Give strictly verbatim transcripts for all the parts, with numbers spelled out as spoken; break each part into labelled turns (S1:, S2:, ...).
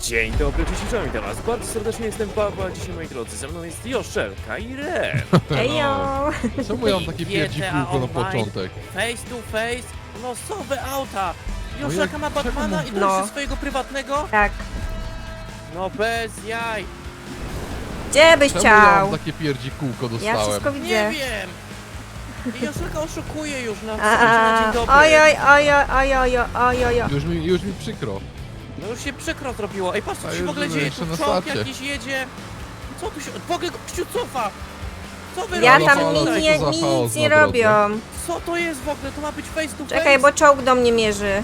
S1: Dzień dobry, cześć, witam was bardzo serdecznie, jestem Paweł, a dzisiaj, moi drodzy, ze mną jest Joszelka i Ren.
S2: Ejo!
S3: Czemu ja mam takie pierdzi kółko na początek?
S1: Face to face, losowe auta. Joszelka ma
S3: czemu-
S1: Batmana i to
S2: No.
S1: jest swojego prywatnego?
S2: Tak.
S1: No bez jaj.
S2: Gdzie byś
S3: Czemu ja
S2: chciał?
S3: mam takie pierdzi kółko
S2: Ja
S3: dostałem?
S2: wszystko
S1: Nie
S2: widzę.
S1: wiem. I Joszelka oszukuje już na,
S2: A,
S1: na dzień dobry.
S2: oj, oj, oj, oj, oj, oj, oj, oj.
S3: Już mi, już mi przykro.
S1: No już się przykro zrobiło. Ej, patrz co
S3: A
S1: tu się w
S3: już
S1: ogóle
S3: byłem
S1: dzieje,
S3: jeszcze
S1: tu
S3: na
S1: czołg
S3: starcie.
S1: jakiś jedzie. Co tu się... W ogóle gościu cofa. Co wy
S2: Ja
S1: robicie
S2: tam
S3: ale
S2: nic
S3: co
S2: nie,
S3: za chaos
S2: nic nie
S3: na drodze.
S2: robią.
S1: Co to jest w ogóle? To ma być face to face?
S2: Czekaj, bo czołg do mnie mierzy.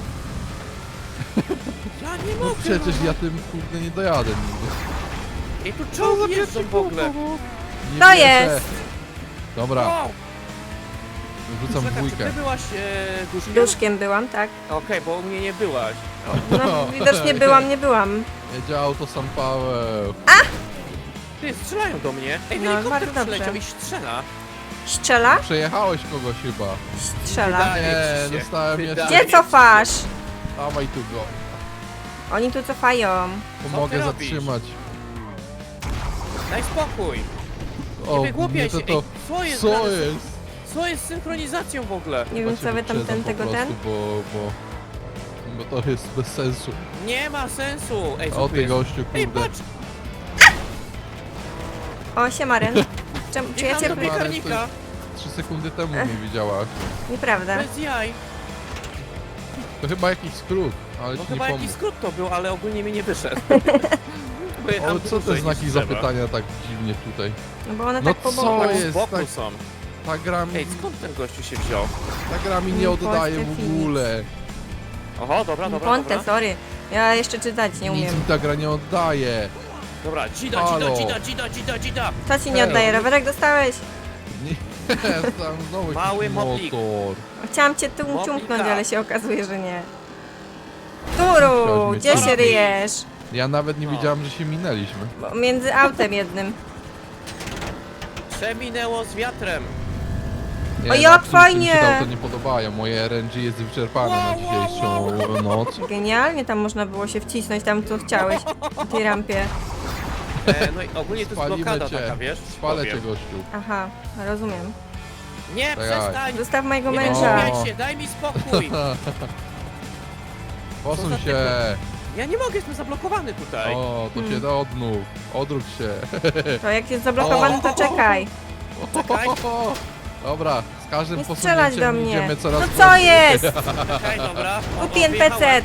S1: Ja nie
S3: No
S1: mogę.
S3: przecież
S1: no.
S3: ja tym kurde nie dojadę nigdy.
S1: Ej, tu czołgi jeżdżą w ogóle.
S3: Nie
S2: To
S3: wierzę.
S2: jest.
S3: Dobra,
S1: Wow.
S3: wrzucam
S1: Czekaj, czy ty
S3: dwójkę.
S1: byłaś e, duszkiem?
S2: Duszkiem byłam, tak.
S1: Okej, bo u mnie nie byłaś.
S2: No, widocznie byłam, nie byłam.
S3: Jedzie auto San Paweł.
S1: Ty, strzelają do mnie. Ej,
S2: No,
S1: helikopter
S2: bardzo dobrze.
S1: przyleciał i strzela.
S2: Strzela?
S3: Przejechałeś kogoś chyba.
S2: Strzela.
S1: Wydaje
S3: Nie,
S1: ci się.
S3: dostałem
S1: Wydaje
S3: jeszcze.
S2: Gdzie
S1: ci
S2: cofasz?
S3: Dawaj tu go.
S2: Oni tu cofają.
S3: Pomogę
S1: ty robisz?
S3: zatrzymać.
S1: Daj spokój.
S3: O,
S1: Nie wygłupiaj
S3: to
S1: się.
S3: to...
S1: Ej, co jest?
S3: Co
S1: grane z-
S3: jest?
S1: Co jest z synchronizacją w ogóle?
S2: Nie wiem,
S3: Chyba
S2: co
S3: cię
S2: wy tam
S3: wyprzedzam
S2: ten
S3: po
S2: tego
S3: prostu,
S2: ten.
S3: Bo, bo, bo to jest bez sensu.
S1: Nie ma sensu. Ej, co
S3: O
S1: tu
S3: ty
S1: jest?
S3: gościu,
S1: Ej,
S3: kurde.
S1: patrz.
S2: O, siemaren. Czemu, czy ja
S1: Jechałem
S2: cię...
S1: do piekarnika.
S3: Trzy sekundy temu mnie widziałaś.
S2: Nieprawda.
S1: Bez jaj.
S3: To chyba jakiś skrót, ale
S1: No
S3: ci nie
S1: chyba jakiś
S3: pomógł.
S1: skrót to był, ale ogólnie mi nie wyszedł. Bo
S3: O,
S1: jechałem
S3: co te
S1: dłużej
S3: znaki
S1: niż trzeba.
S3: zapytania tak dziwnie tutaj?
S2: No bo one
S3: No
S2: tak po
S3: co
S2: boku.
S3: jest?
S1: Z boku
S3: tak-
S1: są.
S3: Ta gra mi,
S1: Ej, skąd ten gościu się wziął?
S3: ta gra mi nie
S2: Nie
S3: oddaje
S2: Polsce
S3: w ogóle.
S1: Oho, dobra, dobra,
S2: Ponte,
S1: dobra.
S2: sorry. Ja jeszcze czytać nie
S3: Nic
S2: umiem.
S3: mi ta gra nie oddaje.
S1: Dobra, dzida,
S3: Halo.
S1: dzida, dzida, dzida, dzida, dzida.
S2: Co ci nie oddaje? Rowerek dostałeś?
S3: Nie, tam znowu
S1: Mały
S3: jakiś
S1: moplik.
S3: motor.
S2: Chciałam cię tu
S1: Mobilka.
S2: ciumknąć, ale się okazuje, że nie. Turu,
S3: Chciałaś
S2: gdzie
S3: mnie
S2: się
S1: zabić.
S2: ryjesz?
S3: Ja nawet nie
S1: No.
S3: widziałem, że się minęliśmy.
S2: Bo między autem jednym.
S1: Przeminęło z wiatrem.
S3: Nie,
S2: O, jak
S3: no, absolutnie
S2: fajnie!
S3: Mi się to auto nie podobają. Moje R N G jest wyczerpane na
S1: Wow, wow,
S3: dzisiejszą noc.
S2: Genialnie tam można było się wcisnąć tam, co chciałeś. Na tej rampie.
S1: E, no i ogólnie to jest
S3: Spalimy
S1: blokada
S3: cię.
S1: taka, wiesz?
S3: Spalę
S1: Powiem.
S3: cię, gościu.
S2: Aha, rozumiem.
S1: Nie,
S3: Czekaj.
S1: przestań!
S2: Zostaw mojego
S1: Nie
S2: męża.
S1: wygłupiaj się, daj mi spokój! Co
S3: Posuń
S1: za
S3: się.
S1: Ja nie mogę, jestem zablokowany tutaj.
S3: O, to
S2: Hmm.
S3: się odnów. Odwróć się.
S2: To jak jest zablokowany, to czekaj.
S1: Czekaj.
S3: Dobra, z każdym
S2: Nie strzelać do
S3: posunięciem
S2: mnie.
S3: idziemy coraz
S2: No co
S3: prędzej.
S2: jest?
S1: Czekaj, dobra.
S2: Kupi N P C.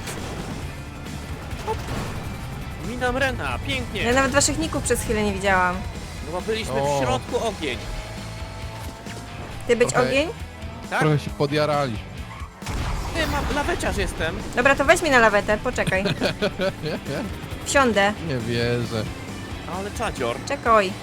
S1: Minam Rena, pięknie.
S2: Ja nawet waszych ników przez chwilę nie widziałam.
S1: No bo byliśmy
S3: O.
S1: w środku ogień.
S2: Ty być
S3: Okej.
S2: ogień?
S1: Tak?
S3: Trochę się podjaraliśmy.
S1: Ty, mam laweciarz jestem.
S2: Dobra, to weź mnie na lawetę, poczekaj. Wsiądę.
S3: Nie wierzę.
S1: Ale czadzior.
S2: Czekaj.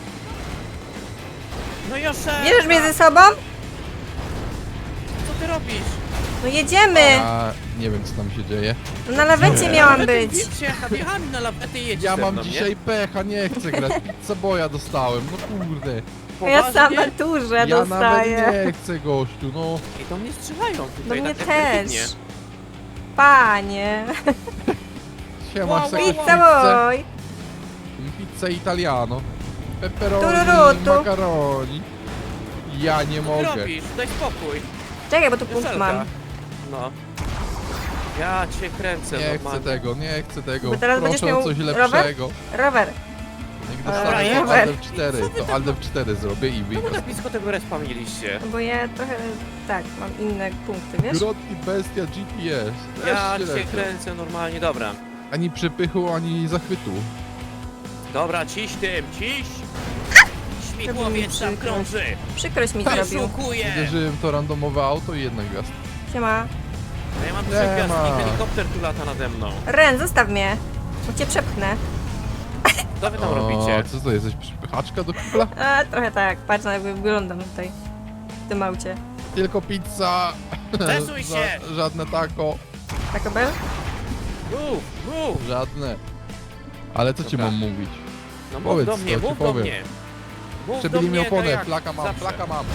S1: No Josze!
S2: Bierzesz mnie ze sobą?
S1: Co ty robisz?
S2: No jedziemy.
S3: A nie wiem, co tam się dzieje.
S2: No na lawecie
S3: Nie.
S2: miałam
S1: Lawety,
S2: być.
S1: Przyjechał, jechałem na lawety i jedziesz
S3: Ja
S1: ze
S3: mam
S1: mną, nie?
S3: dzisiaj pecha, nie chcę grać. Pizzaboja dostałem, no kurde.
S2: Ja
S1: Poważnie?
S2: sama turze
S3: Ja nawet
S2: dostaję.
S3: nie chcę, gościu, no.
S1: I do mnie strzelają
S2: Do
S1: tutaj
S2: mnie
S1: tak
S2: też.
S1: agresywnie.
S2: Panie.
S3: Siema,
S1: Wow,
S3: chcę
S1: wow,
S3: jakąś
S1: wow.
S2: Pizza
S3: pizzę?
S2: boy.
S3: Pizzę italiano. Pepperoni,
S2: Tururutu.
S3: macaroni. Ja nie
S1: Co ty
S3: mogę.
S1: robisz? Daj spokój.
S2: Czekaj, bo tu punkt
S1: Joszelka.
S2: mam.
S1: No. Ja cię kręcę
S3: Nie chcę
S1: normalnie.
S3: tego, nie chcę tego.
S2: Bo teraz
S3: Proszę
S2: będziesz miał
S3: o coś
S2: rower?
S3: lepszego.
S2: Rower.
S3: Jak
S2: Dobra,
S3: dostanę to
S2: rower.
S3: Aldev cztery,
S1: Co ty
S3: to
S1: tam-
S3: Aldev cztery zrobię i
S1: No
S3: wyjdę.
S1: bo tak blisko tego respa mieliście.
S2: No bo ja trochę, tak, mam inne punkty, wiesz?
S3: Grotki, bestia, G P S. Też
S1: Ja
S3: się
S1: cię
S3: lecę.
S1: kręcę normalnie, dobra.
S3: Ani przepychu, ani zachwytu.
S1: Dobra, ciś tym, ciś! Śmigłowiec tam
S2: Przykro.
S1: krąży!
S2: Przykrość mi zrobił.
S1: Wyszukuję!
S3: Uderzyłem w to randomowe auto i jedna gwiazd.
S2: Siema.
S1: No ja mam
S3: Nie
S1: trzech gwiazd
S3: ma.
S1: i helikopter tu lata nade mną.
S2: Ren, zostaw mnie. Bo cię przepchnę.
S1: Co wy tam
S3: O,
S1: robicie?
S3: co to, jesteś przepychaczka do kibla?
S2: A, trochę tak. Patrz na jak wyglądam tutaj. W tym aucie.
S3: Tylko pizza.
S1: Stresuj
S3: Ża-
S1: się!
S3: Żadne taco.
S2: Taco Bell?
S1: Mów, mów!
S3: Żadne. Ale co ci
S1: Dobra.
S3: mam mówić?
S1: No mów
S3: Powiedz,
S1: do
S3: co
S1: mnie,
S3: ci
S1: mów do
S3: powiem.
S1: mnie! Mów do
S3: Przebili mi
S1: mnie, tak
S3: oponę,
S1: jak
S3: flaka mam,
S1: zawsze.
S3: flaka mam.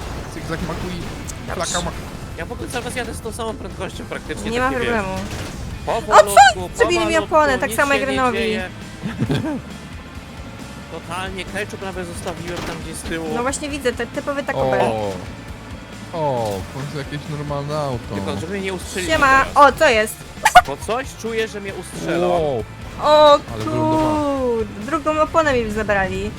S3: Zygzak makui,
S2: Dobrze.
S3: flaka ma...
S1: Ja w ogóle cały czas jadę z tą samą prędkością praktycznie,
S2: Nie
S1: tak
S2: ma
S1: wiesz.
S2: problemu.
S1: Powolutku,
S2: Przebili mi
S1: powolutku,
S2: oponę, tak
S1: nic
S2: samo
S1: się
S2: jak
S1: nie
S2: Renowi.
S1: dzieje. Totalnie, ketchup prawie zostawiłem tam gdzieś z tyłu.
S2: No właśnie widzę, te typowy Taco Bell.
S3: O, o, w końcu jakieś normalne auto.
S1: Tylko, żeby mnie nie ustrzelił
S2: Siema!
S1: teraz.
S2: O, co jest?
S1: Bo coś czuję, że mnie ustrzelą.
S3: Wow.
S2: O
S3: Ale wylądowałem.
S2: kurde, drugą oponę mi zabrali.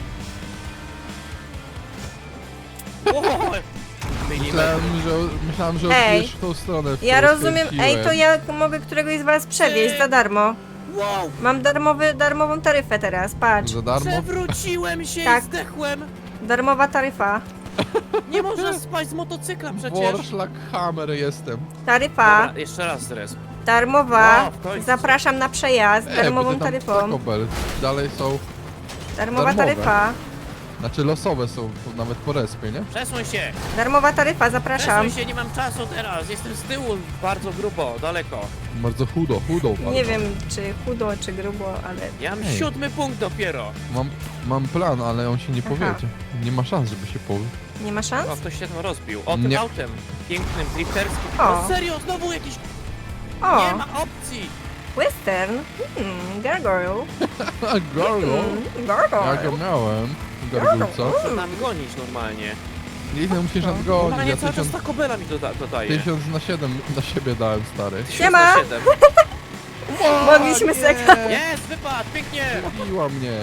S1: Wow.
S3: Myślałem, że, myślałem, że
S2: Ej.
S3: odbijesz w tą stronę, w
S2: Ja
S3: którą
S2: rozumiem,
S3: skręciłem.
S2: ej, to ja mogę któregoś z was przewieźć za darmo.
S1: Wow.
S2: Mam darmowy, darmową taryfę teraz, patrz.
S3: Za darmo?
S1: Przewróciłem się
S2: Tak.
S1: i zdechłem.
S2: Darmowa taryfa.
S1: Nie można spaść z motocykla przecież.
S3: Warszlak Hammer jestem.
S2: Taryfa,
S1: Dobra, jeszcze raz zres.
S2: darmowa.
S1: O, w końcu.
S2: Zapraszam na przejazd,
S3: E, bo
S2: darmową
S3: ty tam
S2: taryfą.
S3: Taco Bell. Dalej są,
S2: Darmowa
S3: darmowe.
S2: taryfa.
S3: znaczy losowe są po- nawet po respie, nie?
S1: Przesuń się.
S2: Darmowa taryfa, zapraszam.
S1: Przesuń się, nie mam czasu teraz. Jestem z tyłu bardzo grubo, daleko.
S3: Bardzo chudo, chudo bardzo.
S2: Nie wiem, czy chudo, czy grubo, ale...
S1: Ja mam
S3: Ej.
S1: siódmy punkt dopiero.
S3: Mam, mam plan, ale on się nie
S2: Aha.
S3: powiedzie. Nie ma szans, żeby się powie.
S2: Nie ma szans?
S1: O, ktoś się tam rozbił. O, tym
S3: Nie.
S1: autem. Pięknym, drifterskim.
S2: O.
S1: O, serio, znowu jakiś...
S2: O,
S1: Nie ma opcji.
S2: western. Hmm, gargoyle.
S3: Gargo?
S2: Hmm,
S3: Ja go
S2: gargoyle.
S3: miałem. Gargulca.
S1: Muszę tam gonić normalnie.
S3: Ile musisz nadgonić?
S1: Normalnie
S3: Ja
S1: cały czas
S3: tysiąc,
S1: Taco Bella mi doda dodaje.
S3: tysiąc na siedem na siebie dałem, stary.
S2: Siema.
S1: tysiąc na siedem.
S2: Mogliśmy sobie...
S1: Jest, wypadł, pięknie.
S3: Zabiła mnie.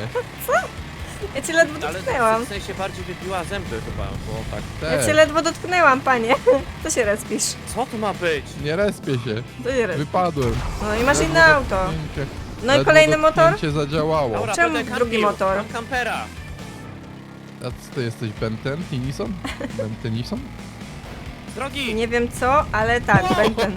S2: Ja cię ledwo
S1: Ale
S2: dotknęłam.
S1: w sensie bardziej wybiła zęby chyba, bo tak.
S2: Ja cię
S3: Też.
S2: ledwo dotknęłam, panie. Co się respisz?
S1: Co to ma być?
S3: Nie respię się.
S2: Co się respisz?
S3: Wypadłem.
S2: No i masz
S3: Ledwo
S2: inne auto.
S3: dotknięcie-
S2: No i
S3: ledwo
S2: kolejny motor?
S3: dotknięcie zadziałało.
S1: Dobra,
S2: Czemu
S1: będę
S2: drugi
S1: kampił.
S2: motor?
S1: Mam kampera.
S3: A co ty jesteś, Benten? Tennyson? Bentenison?
S1: Z drogi.
S2: Nie wiem co, ale tak,
S1: Wow.
S2: Benten.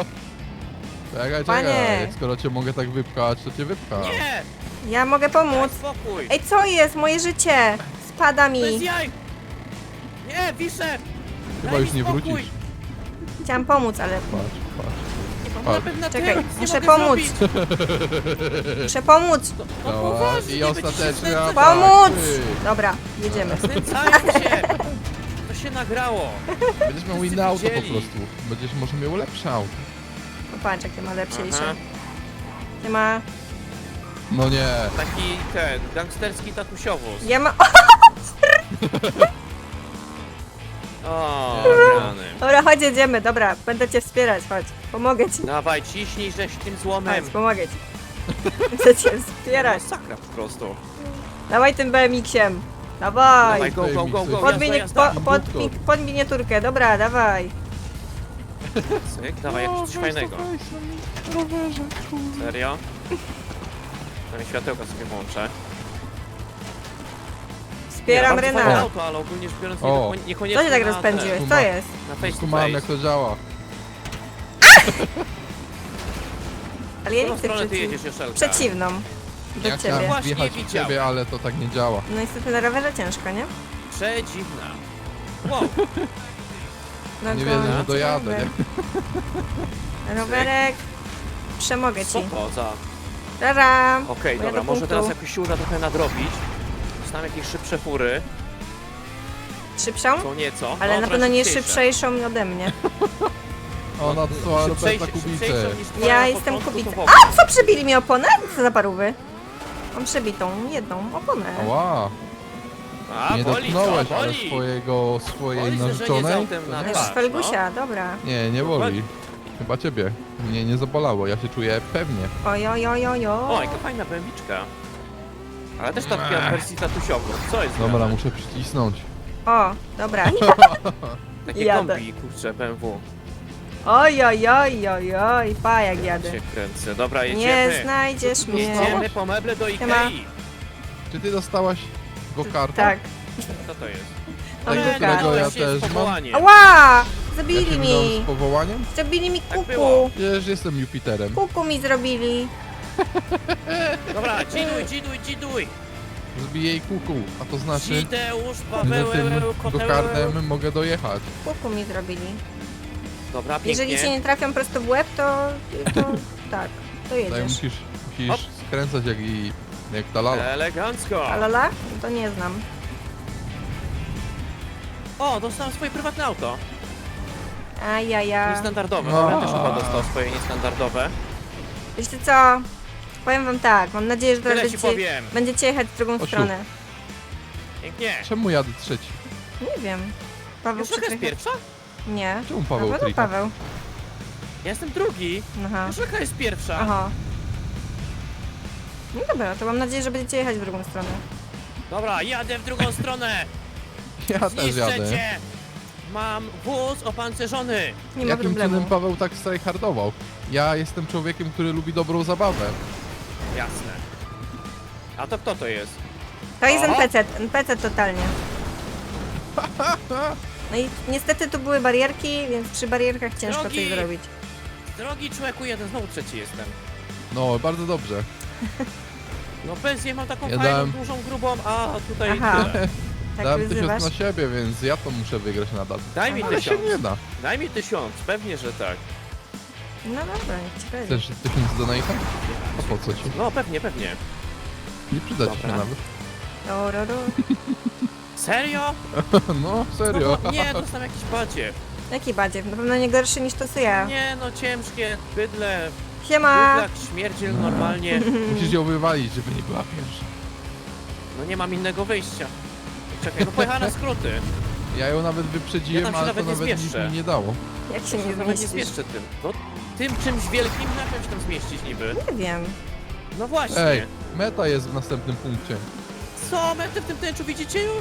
S3: Czekaj,
S2: Panie.
S3: czekaj. Skoro cię mogę tak wypchać, to cię wypcham.
S1: Nie.
S2: Ja mogę
S1: Daj
S2: pomóc.
S1: spokój.
S2: Ej, co jest? Moje życie! Spada
S1: Bez
S2: mi.
S1: jaj. Nie, wiszę.
S3: Chyba
S1: Daj
S3: już
S1: mi
S3: nie
S1: spokój.
S3: wrócisz.
S2: Chciałam pomóc, ale...
S3: Patrz, patrz.
S1: Mam
S3: Patrz.
S1: napęd na
S2: Czekaj,
S1: tył, nic nie
S2: muszę
S1: mogę
S2: pomóc.
S1: zrobić.
S2: Muszę pomóc!
S1: No
S3: Dobra,
S1: poważnie,
S3: i
S1: nie będzie się
S3: ostateczny
S1: znęcać.
S3: atak.
S2: Pomóc!
S3: ty.
S2: Dobra, jedziemy.
S1: Znęcają się. To się nagrało.
S3: Będziesz miał
S1: Wszyscy
S3: inne auto po
S1: widzieli.
S3: prostu. Będziesz może miał lepsze auto.
S2: No patrz, jakie ma lepsze.
S1: Aha.
S2: Nie ma...
S3: No nie.
S1: Taki ten, gangsterski tatusiowóz.
S2: Ja ma...
S1: O, rany.
S2: Dobra, chodź, jedziemy, dobra. Będę cię wspierać, chodź. Pomogę ci.
S1: Dawaj, ciśnij żeś tym złomem.
S2: Chodź, pomogę ci. Chcę cię wspierać.
S1: Masakra po prostu.
S2: Dawaj tym B M X-iem. Dawaj.
S1: Dawaj, go, go, go, go.
S2: Pod,
S1: Jazda,
S2: mini,
S1: jazda.
S2: po, pod, mi- pod miniaturkę, dobra, dawaj.
S1: Cyk, dawaj, jak coś fajnego.
S3: Rowerze,
S1: Serio? Tam światełka sobie włączę.
S2: Wspieram
S1: Nie, bardzo fajne
S2: Rena.
S1: auto, ale ogólnie rzecz biorąc
S3: O.
S1: nie, niekoniecznie
S2: Co się tak
S1: na
S2: rozpędziłeś?
S3: ten.
S2: Co jest?
S1: Na face to
S3: Skumałem jak
S1: face.
S3: to działa.
S2: Ale ja
S1: W
S2: nie
S1: którą
S2: chcę
S1: stronę ty
S2: przeciw...
S1: jedziesz, Joszelka?
S2: przeciwną. Do
S3: Ja
S2: ciebie.
S3: chciałem
S1: Właśnie
S3: wjechać w
S1: widziałem.
S3: ciebie, ale to tak nie działa.
S2: No niestety na rowerze ciężko, nie?
S1: Przedziwna. Wow,
S2: No
S3: Nie
S2: go-
S3: wierzę, że dojadę, nie?
S2: Rowerek. Przemogę
S1: co
S2: ci.
S1: to za...
S2: Rara.
S1: Okej,
S2: Bo ja
S1: dobra,
S2: do
S1: może
S2: punktu.
S1: teraz jakoś się uda trochę nadrobić. Dostałem jakieś szybsze fury.
S2: Szybszą?
S1: Są nieco.
S2: Ale
S1: no,
S2: na
S1: trochę
S2: pewno nie
S1: szybciejsze.
S2: szybszejszą ode mnie.
S3: Ona dostała Roberta
S1: Szybciejsze-
S3: Kubicę.
S1: szybciejsze niż twoja
S2: Ja
S1: na
S2: jestem
S1: początku,
S2: Kubica.
S1: to w ogóle.
S2: A, co przebili mi oponę? Co za parówy? Mam przebitą jedną oponę.
S3: Ała,
S1: A,
S3: nie
S1: boli,
S3: dotknąłeś
S1: co?
S3: ale
S1: Boli.
S3: swojego, swojej
S1: Boli zderzenie z
S3: narzeczonej?
S1: autem
S3: To
S1: na
S3: nie.
S2: Też
S1: tak.
S2: Felgusia, dobra.
S3: Nie, nie boli. Chyba ciebie. Mnie nie zabolało, ja się czuję pewnie.
S2: Oj, oj, oj, oj,
S1: O,
S2: oj.
S1: jaka fajna bębiczka. Ale też taka
S3: Ech.
S1: w wersji tatusiową. Co jest
S3: Dobra,
S1: grane?
S3: muszę przycisnąć.
S2: O, dobra.
S1: Takie
S2: jadę.
S1: kombi, kurczę, B M W.
S2: Oj, oj, oj, oj, oj. Pa, jak jadę.
S1: Się kręcę. Dobra,
S2: Nie
S1: jedziemy.
S2: znajdziesz mnie.
S1: Jedziemy po meble do
S2: Siema.
S1: Ikei.
S3: Czy ty dostałaś go-karta?
S2: Tak.
S1: Co to jest?
S2: Mam
S3: Tak,
S2: go
S3: którego ja
S1: jest
S3: też mam.
S1: powołanie.
S2: Ała! Zabili
S3: Jakim dom
S2: mi.
S3: z powołaniem?
S2: Zrobili mi
S1: Tak
S2: kuku.
S1: było.
S3: Przecież jestem Jupiterem.
S2: Kuku mi zrobili.
S1: Dobra, dziduj, dziduj, dziduj.
S3: Zbiję jej kuku, a to znaczy,
S1: Dzideusz,
S3: że
S1: Paweł,
S3: tym
S1: Koteł.
S3: go-kartem mogę dojechać.
S2: Kuku mi zrobili.
S1: Dobra, pięknie.
S2: Jeżeli się nie trafią prosto w łeb, to, to tak, to
S3: Tutaj
S2: jedziesz.
S3: musisz, musisz
S1: Hop.
S3: skręcać jak i jak ta lala.
S1: Elegancko.
S2: Alala? To nie znam.
S1: O, dostałem swoje prywatne auto.
S2: Ajaja.
S1: Niestandardowe.
S3: No.
S1: No. Ja też chyba dostał swoje niestandardowe.
S2: Wiecie co? Powiem wam tak, mam nadzieję, że teraz
S1: Tyle ci
S2: będziecie,
S1: powiem.
S2: będziecie jechać w drugą
S3: Osiu.
S2: stronę.
S1: Pięknie.
S3: Czemu jadę trzeci?
S2: Nie wiem. Paweł
S1: Już jest
S2: przytrycha-
S1: pierwsza?
S2: Nie.
S3: Czemu Paweł
S2: Paweł,
S3: trycha?
S2: Paweł.
S1: Ja jestem drugi.
S2: Aha.
S1: Joszelka jest pierwsza.
S2: Aha. No dobra, to mam nadzieję, że będziecie jechać w drugą stronę.
S1: Dobra, jadę w drugą stronę.
S3: Ja też
S1: Zniszczę
S3: jadę.
S1: cię. Mam wóz opancerzony.
S2: Nie ma
S3: Jakim
S2: problemu.
S3: cudem Paweł tak strajhardował? Ja jestem człowiekiem, który lubi dobrą zabawę.
S1: Jasne. A to kto to jest?
S2: To jest
S1: Oho.
S2: N P C, N P C totalnie. No i niestety tu były barierki, więc przy barierkach ciężko
S1: Drogi!
S2: coś zrobić.
S1: Drogi człowieku, jeden, znowu trzeci jestem.
S3: No, bardzo dobrze.
S1: No bez jej mam taką
S3: Ja
S1: fajną,
S3: dałem-
S1: dużą, grubą, a tutaj
S2: Aha.
S1: tyle.
S2: Tak
S3: Dałem
S2: wyzywasz?
S3: tysiąc na siebie, więc ja to muszę wygrać nadal.
S1: Daj mi
S3: Ale się
S1: tysiąc.
S3: nie da.
S1: Daj mi tysiąc, pewnie, że tak.
S2: No dobra, niech ci będzie.
S3: Chcesz tysiąc donate'a? A po co ci?
S1: No pewnie, pewnie.
S3: Nie przyda ci się
S1: Dobra.
S3: nawet.
S2: Ro, ro, ro.
S1: Serio?
S3: No, serio.
S1: No, nie, dostałem jakiś badziew.
S2: Jaki badziew? Na pewno nie gorszy niż to co ja.
S1: Nie no, ciężkie, bydle,
S2: Siema!
S1: bydlak, śmierdziel normalnie.
S3: Musisz ją wywalić, żeby nie była pierwsza.
S1: No nie mam innego wyjścia. Czekaj, no pojechała na skróty.
S3: Ja ją nawet wyprzedziłem,
S1: Ja tam się
S3: ale to
S1: nawet nie
S3: nawet nic
S1: zmieszczę.
S3: mi nie dało.
S2: Jak się nie
S1: Nawet nie
S2: zmieścisz?
S1: zmieszczę tym. No tym czymś wielkim na czymś tam zmieścić niby.
S2: Nie wiem.
S1: No właśnie.
S3: Ej, meta jest w następnym punkcie.
S1: Co, metę w tym tęczu widzicie już?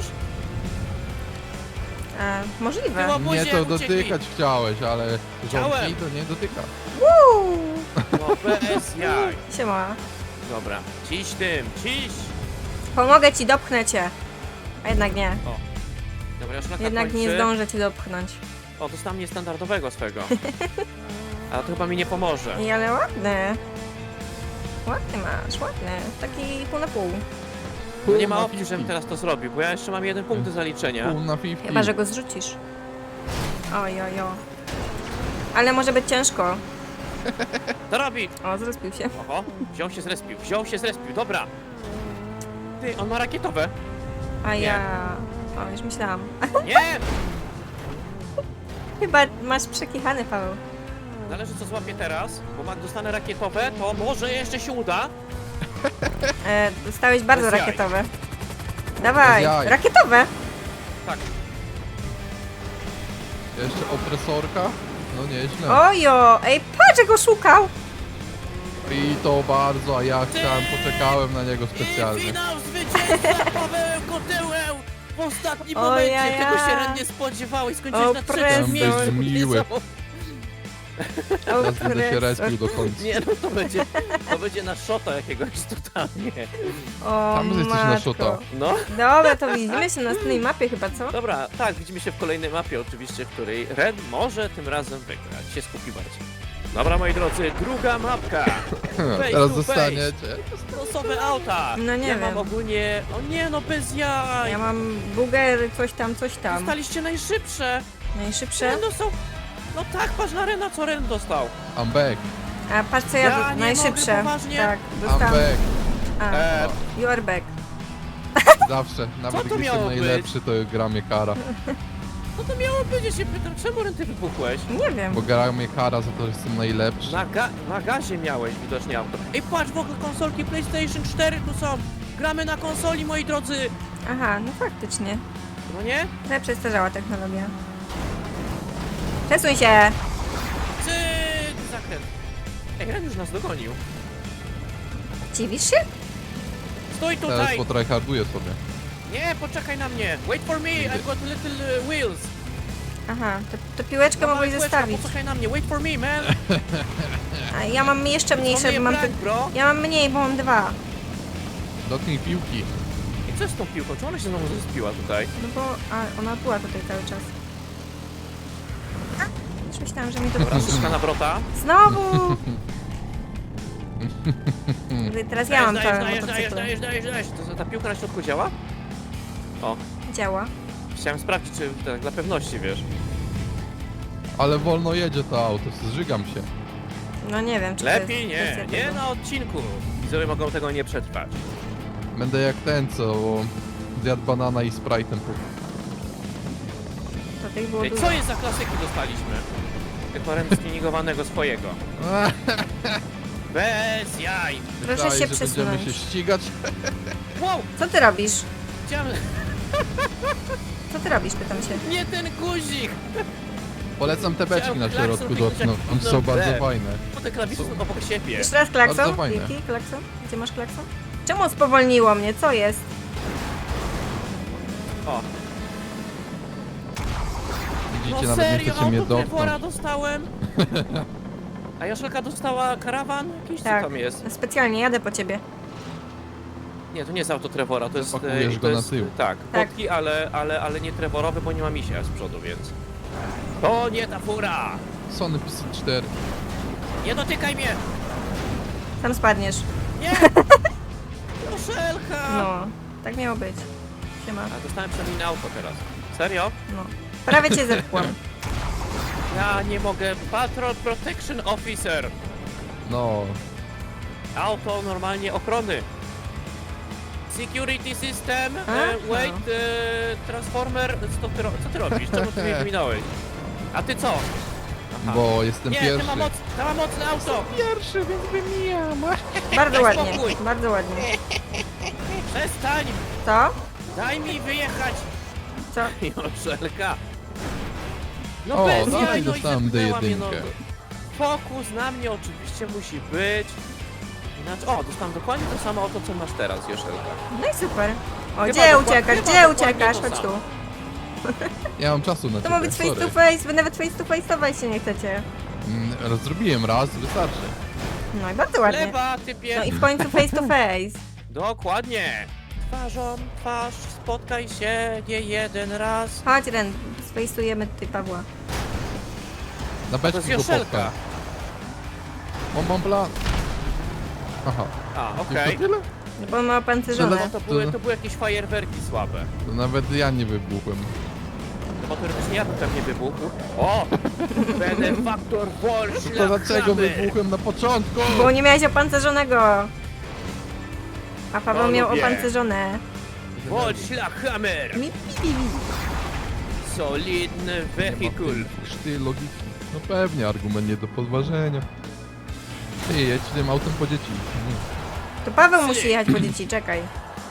S2: A, możliwe.
S1: Było-
S3: Nie
S1: Obozie,
S3: to
S1: uciekli.
S3: dotykać chciałeś, ale
S1: Chciałem.
S3: rządki to nie dotyka.
S2: Uuu.
S1: No bez jaj.
S2: Siema.
S1: Dobra, ciś tym, ciś.
S2: Pomogę ci, dopchnę cię. A jednak nie.
S1: Dobra, już na
S2: Jednak nie zdążę cię dopchnąć.
S1: O, dostałem niestandardowego swego. A to chyba mi nie pomoże.
S2: Ej, ale ładny. Ładny masz, ładny. Taki pół na pół.
S1: No nie ma
S3: Pół na
S1: opcji, żebym
S3: pięćdziesiąt.
S1: teraz to zrobił, bo ja jeszcze mam jeden punkt do zaliczenia.
S3: Pół na pięćdziesiąt.
S2: Chyba, że go zrzucisz. Oj, oj, oj. Ale może być ciężko.
S1: To robi!
S2: O, zrespił się.
S1: Oho, wziął się zrespił, wziął się zrespił, dobra. Ty, on ma rakietowe.
S2: A
S1: Nie.
S2: ja... O, już myślałam.
S1: Nie!
S2: Chyba masz przekichany, Paweł.
S1: Zależy co złapię teraz, bo jak dostanę rakietowe, to może jeszcze się uda.
S2: E, dostałeś bardzo
S1: Bez jaj.
S2: rakietowe. Dawaj,
S3: Bez jaj.
S2: rakietowe!
S1: Tak.
S3: Jeszcze opresorka? No nieźle.
S2: Ojo! Ej, patrz, jak go szukał!
S3: I to bardzo, a ja chciałem, poczekałem na niego
S1: I
S3: specjalnie.
S1: finał zwycięstwa Paweł Kotyłę w ostatnim
S2: O,
S1: momencie.
S2: ja, ja.
S1: Tego się Ren nie spodziewał i skończyłeś
S2: O,
S1: na
S2: presja.
S1: trzecim miejscu.
S3: Byś miły.
S2: O,
S3: Teraz będę się
S2: presor.
S3: respił do końca.
S1: Nie no, to będzie, to będzie na szota jakiegoś totalnie.
S2: O,
S3: Tam jesteś na
S2: matko.
S3: szota.
S1: No,
S2: Dobra, to widzimy się na następnej mapie chyba, co?
S1: dobra, tak, widzimy się w kolejnej mapie oczywiście, w której Ren może tym razem wygrać. Się skupi bardziej. Dobra, moi drodzy, druga mapka. Face
S3: Teraz
S1: to
S3: dostaniecie.
S1: Losowe auta.
S2: No nie
S1: ja
S2: wiem.
S1: mam ogólnie... O nie, no bez jaj.
S2: Ja mam buger, coś tam, coś tam.
S1: Dostaliście najszybsze.
S2: Najszybsze.
S1: Ren dostał... No tak, patrz na Rena, co Ren dostał.
S3: I'm back.
S2: A patrz co ja,
S1: Ja nie
S2: najszybsze.
S1: mogę, poważnie?
S2: Tak,
S3: I'm
S2: dostałam.
S3: back.
S2: A,
S1: E,
S2: you are back.
S3: Zawsze. Nawet
S1: to
S3: gdy
S1: miało
S3: jestem
S1: być?
S3: najlepszy, to gra mnie kara.
S1: no to miało być, ja się pytam, czemu Ren ty wybuchłeś?
S2: Nie wiem.
S3: Bo gra mnie kara za to, że jestem najlepszy.
S1: Na, ga na gazie miałeś widocznie auto. Ej, patrz, w ogóle konsolki PlayStation cztery tu są. Gramy na konsoli, moi drodzy.
S2: Aha, no faktycznie.
S1: No nie?
S2: Ale przestarzała technologia. Przesuń się!
S1: Cyk, zakręt. Ej, Ren już nas dogonił.
S2: Dziwisz się?
S1: Stój
S3: Teraz
S1: tutaj.
S3: potryharduję sobie.
S1: Nie, poczekaj na mnie. Wait for me, I've got little uh, wheels.
S2: Aha, to, to piłeczkę
S1: Mała
S2: mogłeś
S1: kółeczka,
S2: zostawić.
S1: Poczekaj na mnie, wait for me, man.
S2: A ja mam jeszcze mniejsze,
S1: For
S2: bo
S1: me,
S2: mam...
S1: black,
S2: Ty...
S1: bro.
S2: Ja mam mniej, bo mam dwa.
S3: Dotknij piłki.
S1: I co jest z tą piłką? Czy ona się znowu zespiła tutaj?
S2: No bo... A, ona była tutaj cały czas. A, już myślałam, że mi to...
S1: Dobra, szyszka na wrota.
S2: Znowu! Teraz ja mam
S1: dajesz,
S2: całe
S1: dajesz, dajesz,
S2: motocykle.
S1: dajesz, dajesz, dajesz. To ta piłka na środku działa? O,
S2: Działa.
S1: chciałem sprawdzić, czy tak dla pewności, wiesz.
S3: Ale wolno jedzie to auto, zżygam się.
S2: No nie wiem, czy to
S1: Lepiej
S2: jest
S1: nie,
S2: kwestia
S1: nie
S2: tego.
S1: na odcinku. Widzowie mogą tego nie przetrwać.
S3: Będę jak ten, co zjadł banana i Sprite'em.
S2: To tych było
S1: Ej,
S2: dużo.
S1: co jest za klasyki dostaliśmy? Jako rent stuningowanego swojego. Bez jaj.
S2: Proszę
S3: Myślałeś,
S2: się
S3: że będziemy
S2: przesunąć.
S3: się ścigać?
S1: Wow,
S2: Co ty robisz?
S1: chciałem...
S2: Co ty robisz, pytam się.
S1: Nie ten guzik!
S3: Polecam te beczki
S1: Chciałem
S3: na
S1: klakson
S3: środku
S1: kliknąć,
S3: dotknąć,
S1: jak
S3: one są
S1: kliknąłem
S3: bardzo
S1: B.
S3: fajne.
S1: Bo te klawisze są obok siebie.
S2: Jeszcze raz
S3: Bardzo
S2: klakson?
S3: fajne.
S2: Jaki klakson? Gdzie masz klakson? Czemu spowolniło mnie? Co jest?
S1: O,
S3: Widzicie,
S1: no
S3: nawet nie
S1: serio,
S3: chcecie mnie
S1: auto Trevora
S3: dotknąć.
S1: dostałem? A Joszelka dostała karawan? Jakiś
S2: Tak.
S1: co tam jest?
S2: Specjalnie jadę po ciebie.
S1: Nie, to nie jest auto Trevora, to jest...
S3: Zapakujesz
S1: e,
S3: go
S1: to
S3: na
S1: jest,
S3: tył.
S1: Tak,
S2: Tak.
S1: kotki, ale, ale, ale nie Trevorowy, bo nie ma misia z przodu, więc... To nie ta fura!
S3: Sony P C cztery.
S1: Nie dotykaj mnie!
S2: Tam spadniesz.
S1: Nie! Joszelka!
S2: No, tak miało być. Siema.
S1: A dostałem przynajmniej na auto teraz. Serio?
S2: No. Prawie cię zepchłam.
S1: Ja nie mogę. Patrol Protection Officer.
S3: No,
S1: Auto normalnie ochrony. Security System.
S2: A?
S1: E, wait. E, transformer. Co ty, ro- co ty robisz? Czemu ty mnie wyminąłeś? A ty co? Aha.
S3: bo jestem
S1: Nie,
S3: pierwszy.
S1: ty ma, moc, ty ma mocne auto.
S3: Pierwszy, więc wymijam.
S2: Bardzo
S1: Daj
S2: ładnie,
S1: spokój.
S2: bardzo ładnie.
S1: Przestań.
S2: Co?
S1: Daj mi wyjechać.
S2: Co?
S1: Joszelka. No
S3: O,
S1: bez
S3: no
S1: jaj,
S3: i
S1: no
S3: dostałem
S1: zepchnęła mnie,
S3: D
S1: no.
S3: jeden.
S1: Fokus na mnie oczywiście musi być. Inaczej, o, dostałem dokładnie to samo auto, co masz teraz, Joszelka.
S2: No i super. O,
S1: Chyba
S2: gdzie
S1: dokła-
S2: uciekasz?
S1: chyba
S2: Gdzie
S1: dokładnie
S2: uciekasz?
S1: to
S2: Chodź tu.
S1: samo.
S3: Ja mam czasu na
S2: To ma
S3: ciebie,
S2: być face
S3: sorry.
S2: to face, wy nawet face to face'ować się nie chcecie.
S3: Mm, Zrobiłem raz, wystarczy.
S2: No i bardzo ładnie.
S1: Lewa, typie.
S2: No i w końcu face to face.
S1: Dokładnie. Twarzą, twarz, spotkaj się nie jeden raz.
S2: Chodź Ren, sfejsujemy tutaj Pawła.
S3: Na
S1: To
S3: beczki
S1: jest
S3: go
S1: Joszelka.
S3: popcham. Mam, mam plan. Aha,
S1: A,
S3: już
S1: okej.
S3: to tyle?
S2: No bo on ma
S1: No
S2: opancerzone.
S1: to były, to były jakieś fajerwerki słabe.
S3: To nawet ja nie wybuchłem.
S1: No bo teoretycznie ja bym pewnie wybuchł. O! Benefaktor Wall
S3: To dlaczego wybuchłem na początku?
S2: Bo nie miałeś opancerzonego. A Paweł
S1: To
S2: miał
S1: lubię.
S2: opancerzone.
S1: Wall Hammer!
S2: Mi, mi, mi, mi.
S1: Solidny
S3: Nie ma
S1: wehikul.
S3: Krzty logiki. No pewnie, argument nie do podważenia. Ty, jedź tym autem po dzieci. Mm.
S2: To Paweł musi jechać po dzieci, czekaj.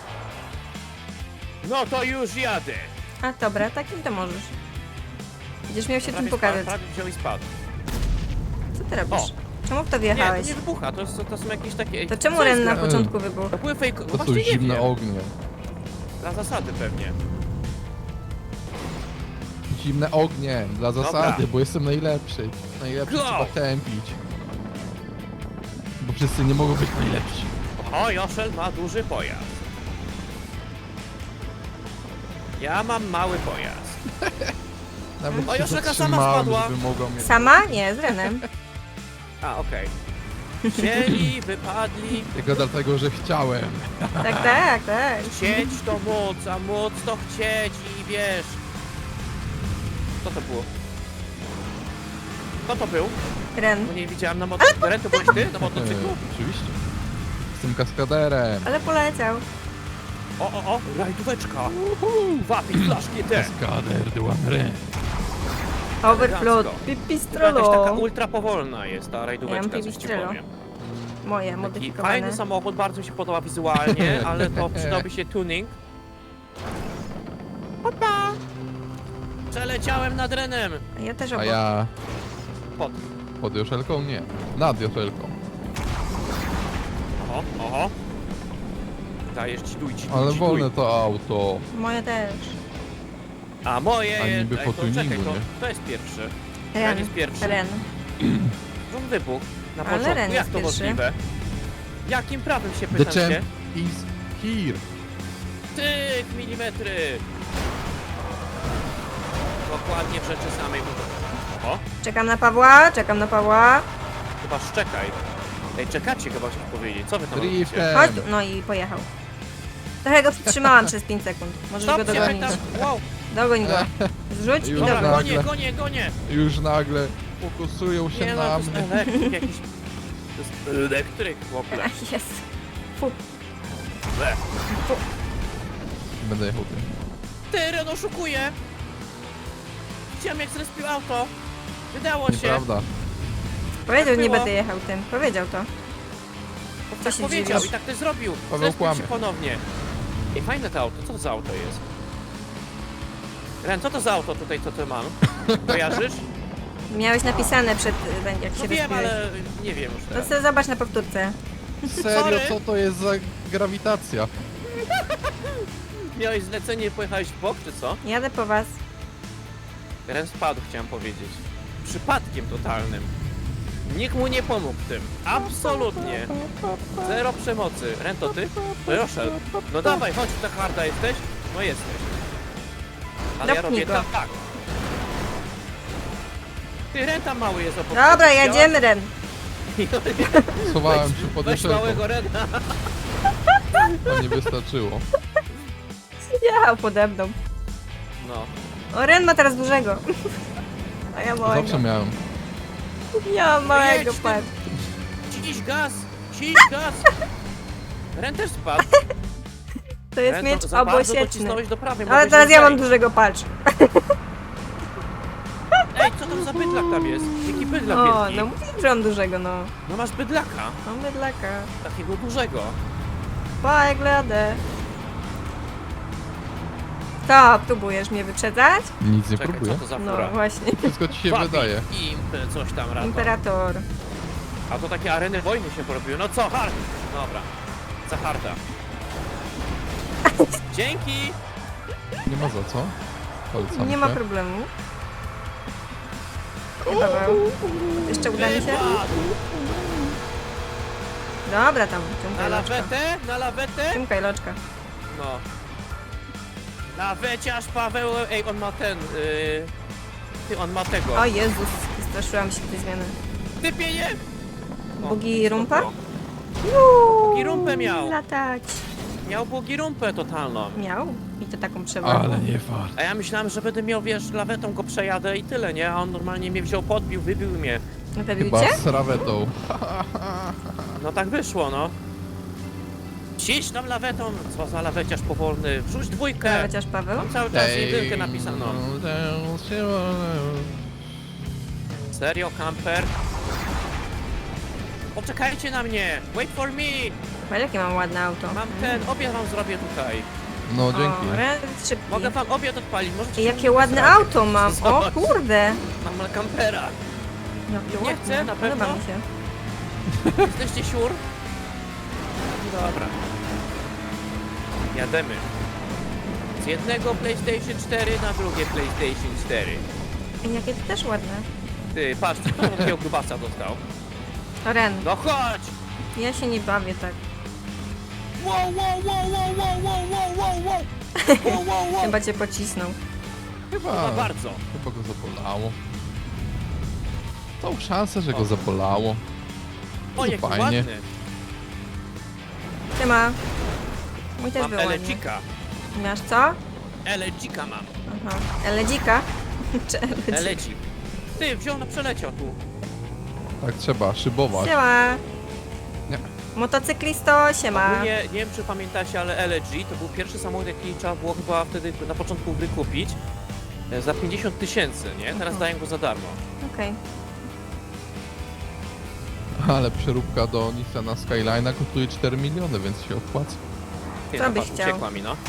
S1: No to już jadę.
S2: A dobra, takim to możesz. Będziesz miał się czym
S1: Prawie
S2: pokazać.
S1: spadł, prawie wziął i spadł.
S2: Co ty robisz?
S1: O.
S2: Czemu w to
S1: Nie,
S2: wjechałeś?
S1: to nie wybucha, to, jest, to są jakieś takie...
S2: To czemu
S1: co jest
S2: Ren na
S1: gra-
S2: początku wybuchł?
S1: To były fake...
S3: To są
S1: Właśnie nie
S3: zimne
S1: wiem.
S3: ognie.
S1: Dla zasady pewnie.
S3: Zimne ognie, dla zasady,
S1: Dobra.
S3: bo jestem najlepszy. Najlepszy
S1: Go!
S3: trzeba tępić. Bo wszyscy nie mogą być najlepsi.
S1: O, Joszel ma duży pojazd. Ja mam mały pojazd.
S3: Nawet
S1: O,
S3: się
S1: Joszelka sama
S3: zatrzymałem,
S1: spadła.
S3: żeby mogła mnie...
S2: Sama? Nie, z Renem.
S1: A, okej. Wzięli, wypadli.
S3: Tylko dlatego, że chciałem.
S2: Tak, tak, tak.
S1: Chcieć to móc, a móc to chcieć i wiesz. Co to było? Kto to był?
S2: Ren.
S1: Bo nie widziałem na motocyklu. Ren, to byłeś ty na
S3: E,
S1: motocyklu?
S3: oczywiście. Jestem kaskaderem.
S2: Ale poleciał.
S1: O, o, o, rajdóweczka. Wapi flaszki te.
S3: Kaskader de Łamre.
S2: Overflow.
S1: Elegancko.
S2: Pipistrolo.
S1: Jakaś taka ultra powolna jest ta
S2: Ja
S1: rajdóweczka,
S2: mam
S1: coś ci
S2: pipistrello.
S1: powiem.
S2: Moje,
S1: Taki
S2: modyfikowane.
S1: fajny samochód, bardzo mi się podoba wizualnie, ale to przydałby się tuning. Opa! Przeleciałem nad Renem.
S2: A ja też
S3: A
S2: obok.
S3: ja
S1: Pod.
S3: pod Joszelką? Nie. Nad Joszelką.
S1: Oho, oho. Dajesz ci duj, ci duj,
S3: Ale
S1: ci
S3: wolne
S1: duj.
S3: to auto.
S2: Moje też.
S1: A moje
S3: A
S1: jest...
S3: niby
S1: Ej,
S3: po
S1: to
S3: tuningu,
S1: czekaj, to,
S3: nie?
S1: to jest pierwszy.
S2: Ren.
S1: Ren jest pierwszy.
S2: Ren.
S1: On wybuchł na
S2: Ale
S1: początku.
S2: Ren
S1: Jak
S2: jest
S1: to
S2: pierwszy.
S1: możliwe? Jakim prawem się
S3: The
S1: pytam
S3: champ
S1: się?
S3: is here.
S1: Tyk, milimetry! Dokładnie w rzeczy samej. O,
S2: Czekam na Pawła, czekam na Pawła.
S1: chyba szczekaj. Ej, czekacie chyba chcieć powiedzieć. Co wy tam robicie?
S3: Driftem.
S2: Chodź tu. No i pojechał. Trochę go przytrzymałam przez pięć sekund. Możesz
S1: Stop,
S2: go
S1: się
S2: dogonić.
S1: pytam. Wow,
S2: Dogoń go. Zrzuć i
S3: Już
S1: dobra,
S2: dogoń.
S3: tak.
S1: gonię, gonię, gonię!
S3: Już nagle fokusują się
S1: Nie no,
S3: na
S1: to jest
S3: mnie.
S1: elektryk jakiś. To jest elektryk w ogóle.
S2: Ach, jest. Fu.
S1: Ble.
S3: Będę jechał tym.
S1: Ty, Ren oszukuje! Widziałem jak zrespił auto. Wydało się.
S3: Nieprawda.
S2: Powiedział, że nie
S1: było.
S2: będę jechał tym. Powiedział to. Co
S1: Tak
S2: się
S1: powiedział
S2: dziwisz?
S1: i tak też zrobił.
S3: Paweł
S1: Zresztą
S3: kłamie.
S1: się ponownie. Ej, fajne to auto. Co to za auto jest? Ren, co to za auto tutaj, co ty mam? Kojarzysz?
S2: Miałeś napisane przed, y, jak się
S1: No wiem,
S2: rozbiłeś.
S1: ale nie wiem już
S2: To
S1: teraz.
S2: sobie zobacz na powtórce.
S3: Serio,
S1: Sorry.
S3: co to jest za grawitacja?
S1: Miałeś zlecenie i pojechałeś w bok, czy co?
S2: Jadę po was.
S1: Ren spadł, chciałem powiedzieć. Przypadkiem totalnym. Nikt mu nie pomógł w tym. Absolutnie. Zero przemocy. Ren, to ty? Proszę. No dawaj, chodź, ta harda jesteś? No jesteś. Ale ja
S2: Dopnij
S1: robię
S2: go.
S1: tak, tak. Ty, Ren tam mały jest obok.
S2: Dobra,
S1: Widziałaś?
S2: jedziemy, Ren.
S3: Schowałem się pod
S1: Weź
S3: jeszelką,
S1: małego Rena.
S3: to nie wystarczyło.
S2: Jechał pode mną.
S1: No.
S2: O, Ren ma teraz dużego. A ja małego.
S3: Zawsze miałem.
S2: Ja mam małego,
S1: Jedź ty.
S2: patrz.
S1: Ciś gaz! Ciś gaz! Ren też spadł.
S2: To jest
S1: Ren,
S2: miecz
S1: to za bardzo
S2: obosieczny.
S1: docisnąłeś do prawej.
S2: Ale
S1: mogłeś
S2: teraz
S1: nie
S2: ja mam
S1: zejść.
S2: dużego, patrz.
S1: Ej, co tam za bydlak tam jest? Jaki bydlak
S2: O,
S1: wielki?
S2: no mówiłem, że mam dużego, no.
S1: No masz bydlaka.
S2: Mam bydlaka.
S1: Takiego dużego.
S2: Pa, jak jadę. To, próbujesz mnie wyprzedzać?
S3: Nic nie
S1: Czekaj,
S3: próbuję.
S1: co to za
S2: No
S1: fura?
S2: właśnie.
S3: Wszystko ci się
S1: Wabi,
S3: wydaje.
S1: Imp, coś tam rano.
S2: Imperator.
S1: A to takie areny wojny się porobiły. No co, hard? Dobra. Za harda. Dzięki!
S3: Nie ma za co. Polecam
S2: Nie ma
S3: się.
S2: problemu. Nie, Paweł. Jeszcze uda mi się?
S1: Wypadł.
S2: Dobra, tam.
S1: Na
S2: Ciągaj loczka.
S1: lawetę? Na lawetę?
S2: Ciągaj loczka.
S1: No. Laweciarz Paweł... Ej, on ma ten... Yy... Ty, on ma tego.
S2: O Jezus, straszyłam się tej zmiany.
S1: Typie nie! O,
S2: Bugi rumpa?
S1: spoko. Bugi rumpę miał.
S2: Latać.
S1: Miał bugi rumpę totalną.
S2: Miał? I to taką przewagę.
S3: Ale nie fart.
S1: A ja myślałem, że będę miał, wiesz, lawetą go przejadę i tyle, nie? A on normalnie mnie wziął, podbił, wybił mnie.
S2: Wybił
S3: Chyba
S2: cię?
S3: z rawetą.
S1: No tak wyszło, no. Ciś tam lawetą, co za laweciarz powolny. Wrzuć dwójkę.
S2: Chociaż Paweł?
S1: Mam cały czas jedynkę napisano. Serio, camper? Poczekajcie na mnie! Wait for me!
S2: Patrz, jakie mam ładne auto.
S1: Mam ten, obiad wam zrobię tutaj.
S3: No
S2: O,
S3: dzięki.
S2: Ren szybki.
S1: Mogę wam obiad odpalić, możecie
S2: I
S1: się
S2: jakie ładne
S1: zrobić.
S2: auto mam. O
S1: Zobacz.
S2: kurde.
S1: Mam campera.
S2: Jakie
S1: Nie
S2: ładne.
S1: chcę, na pewno?
S2: Podoba mi się.
S1: Jesteście siur? Dobra. Jademy. Z jednego PlayStation cztery na drugie PlayStation cztery.
S2: I jakie to też ładne.
S1: Ty, patrz, co on takiego grubasa dostał.
S2: O, Ren,
S1: No chodź!
S2: ja się nie bawię tak.
S1: Wow, wow, wow, wow, wow, wow, wow, wow, wow. Wow, wow, wow.
S2: Chyba cię pocisnął.
S1: Chyba
S3: Chyba,
S1: bardzo.
S3: chyba go zabolało. Tą szansę, że
S1: O.
S3: go zabolało.
S1: O,
S3: To
S1: jaki
S3: fajnie.
S1: ładny.
S2: Siema. Mój też
S1: Mam
S2: był ładny.
S1: Elecika.
S2: Masz co?
S1: Elecika mam.
S2: Aha. Eledzika? Czy Eledzik?
S1: Elecik. Ty, wziął na przeleciał tu.
S3: Tak trzeba, szybować.
S2: Siema.
S3: Nie.
S2: Motocyklisto, siema.
S1: Ogólnie, nie wiem czy pamiętacie, ale L G to był pierwszy samochód, jaki trzeba było chyba wtedy na początku wykupić e, za pięćdziesiąt tysięcy, nie? Teraz
S2: Mhm.
S1: dają go za darmo.
S2: Okej.
S3: Ale przeróbka do Nissana Skyline'a kosztuje cztery miliony, więc się opłaca.
S1: Ty,
S2: Co
S1: no
S2: byś
S1: patrz,
S2: chciał?
S1: uciekła mi, no.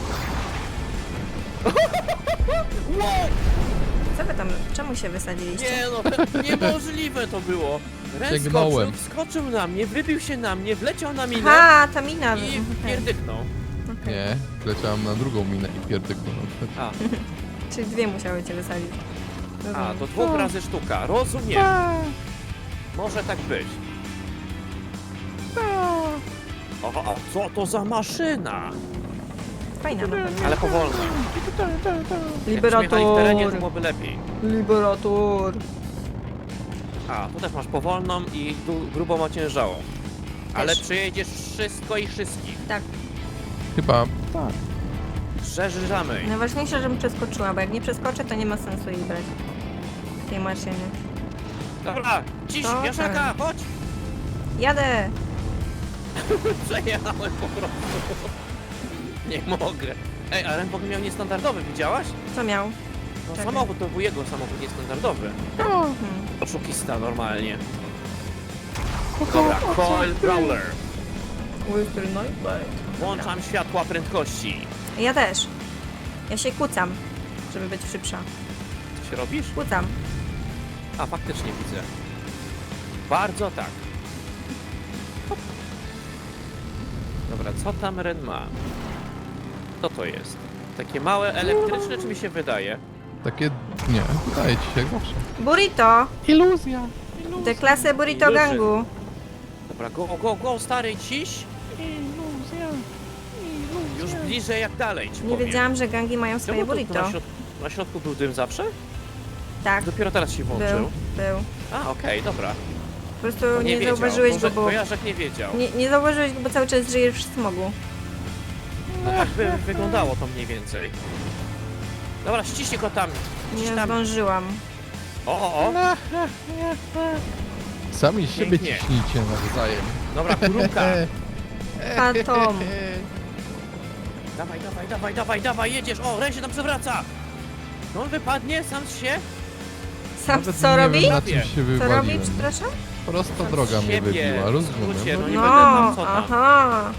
S2: Co wy tam, czemu się wysadziliście?
S1: Nie no, niemożliwe to było. Ren skoczył,
S3: Sięgnąłem.
S1: wskoczył na mnie, wybił się na mnie, wleciał na minę
S2: Aha, ta mina.
S1: i
S2: Okej.
S1: pierdyknął.
S2: Okej.
S3: Nie, leciałem na drugą minę i pierdyknąłem.
S1: A,
S2: Czyli dwie musiały cię wysadzić.
S1: a,
S2: Rozumiem.
S1: to dwóch razy sztuka, rozumiem. Może tak być. O, a co to za maszyna?
S2: Fajna na pewno.
S1: Ale powolna. Jakbyśmy jechali w terenie, to
S2: Liberator.
S1: byłoby lepiej.
S2: Liberator.
S1: A, tu też masz powolną i du- grubą ociężałą. Ale
S2: Też.
S1: przejedziesz wszystko i wszystkich.
S2: Tak.
S3: Chyba tak.
S1: Przeżyżamy.
S2: Najważniejsze, żebym przeskoczyła, bo jak nie przeskoczę, to nie ma sensu jej brać. W tej maszynie.
S1: Dobra, ciś,
S2: To
S1: Jaszaka, chodź!
S2: Jadę!
S1: Przejechałem po prostu. Nie mogę. Ej, a Ren w ogóle miał niestandardowy, widziałaś?
S2: Co miał?
S1: No
S2: Czekaj.
S1: samochód to był jego samochód niestandardowy.
S2: Hmm.
S1: Oszukista normalnie. Dobra, Coil Brawler.
S2: Mister Nightblade.
S1: Włączam światła prędkości.
S2: Ja też. Ja się kłócam, żeby być szybsza.
S1: Co się robisz?
S2: Kłócam.
S1: A, faktycznie widzę. Bardzo tak. Hop. Dobra, co tam Ren ma? Co to jest? Takie małe elektryczne, czy mi się wydaje?
S3: Takie... nie, wydaje ci się jak zawsze.
S2: Burrito!
S3: Iluzja.
S2: Tę klasę Burrito
S1: Iluzja.
S2: Gangu.
S1: Dobra, go, go, go, stary, ciś. Już bliżej jak dalej, ci
S2: Nie
S1: powiem.
S2: wiedziałam, że gangi mają swoje
S1: Czemu tu, tu
S2: burrito.
S1: na, środku, na środku był dym zawsze?
S2: Tak,
S1: Dopiero teraz się włączył.
S2: był, był.
S1: A, okej, dobra.
S2: Po prostu
S1: To
S2: nie,
S1: wiedział.
S2: zauważyłeś
S1: Może
S2: go, bo...
S1: Kojarzek nie wiedział.
S2: Nie, nie zauważyłeś go, bo cały czas żyjesz w smogu.
S1: No tak by wyglądało to mniej więcej. Dobra, ściśnij go tam.
S2: Nie
S1: Ściś tam.
S2: zdążyłam.
S1: O, o, o.
S3: Sami z siebie
S1: Pięknie.
S3: ciśnijcie nawzajem.
S1: Dobra, kurumka.
S2: Fantom.
S1: Dawaj, dawaj, dawaj, dawaj, dawaj, jedziesz. O, Ren się tam przewraca. No on wypadnie sam z się.
S2: Sam
S3: Nawet
S2: co
S3: nie
S2: robi?
S3: wiem, na czym się
S2: Co robi,
S3: wywaliłem.
S2: przepraszam?
S3: Prosta
S1: Sam z
S3: droga mnie
S1: siebie.
S3: wybiła,
S1: W
S3: rozumiem.
S1: skrócie, no nie
S2: No,
S1: będę tam co tam.
S2: aha.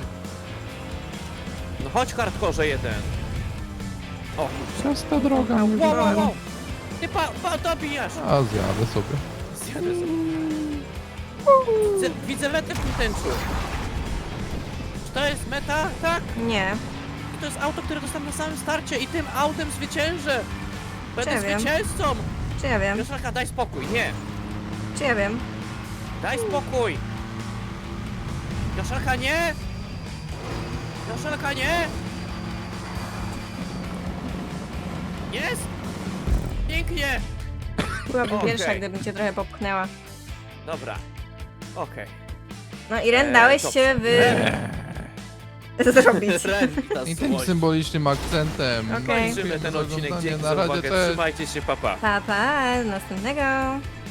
S1: No chodź hardkorze jeden. O,
S3: Prosta droga mnie
S1: wow, wow,
S3: wybiła.
S1: wow. Ty pa, pa, dobijasz.
S3: A zjadę sobie.
S1: Zjadę sobie. Widzę, widzę metę w tym tęczu. Czy to jest meta? Tak.
S2: Nie.
S1: I to jest auto, które dostałem na samym starcie i tym autem zwyciężę. Będę
S2: Czy ja wiem?
S1: zwycięzcą.
S2: Czy ja wiem?
S1: Joszelka, daj spokój. Nie.
S2: Czy ja wiem?
S1: Daj spokój. Joszelka, nie. Joszelka, nie. Jest. Pięknie.
S2: Byłabym
S1: Okej.
S2: pierwsza, gdybym cię trochę popchnęła.
S1: Dobra. Okej.
S2: No i Ren,
S1: Eee,
S2: dałeś
S1: to-
S2: się wy... zrobić.
S1: Ren, ta
S3: I tym
S1: słoń.
S3: symbolicznym akcentem.
S2: Okej.
S1: Kończymy
S3: Dziękuję
S1: ten
S3: za
S1: odcinek.
S3: oglądanie.
S1: Dzięki
S3: Na
S1: za
S3: razie,
S1: uwagę.
S3: cześć.
S1: Trzymajcie się, papa.
S2: Pa, pa, do następnego.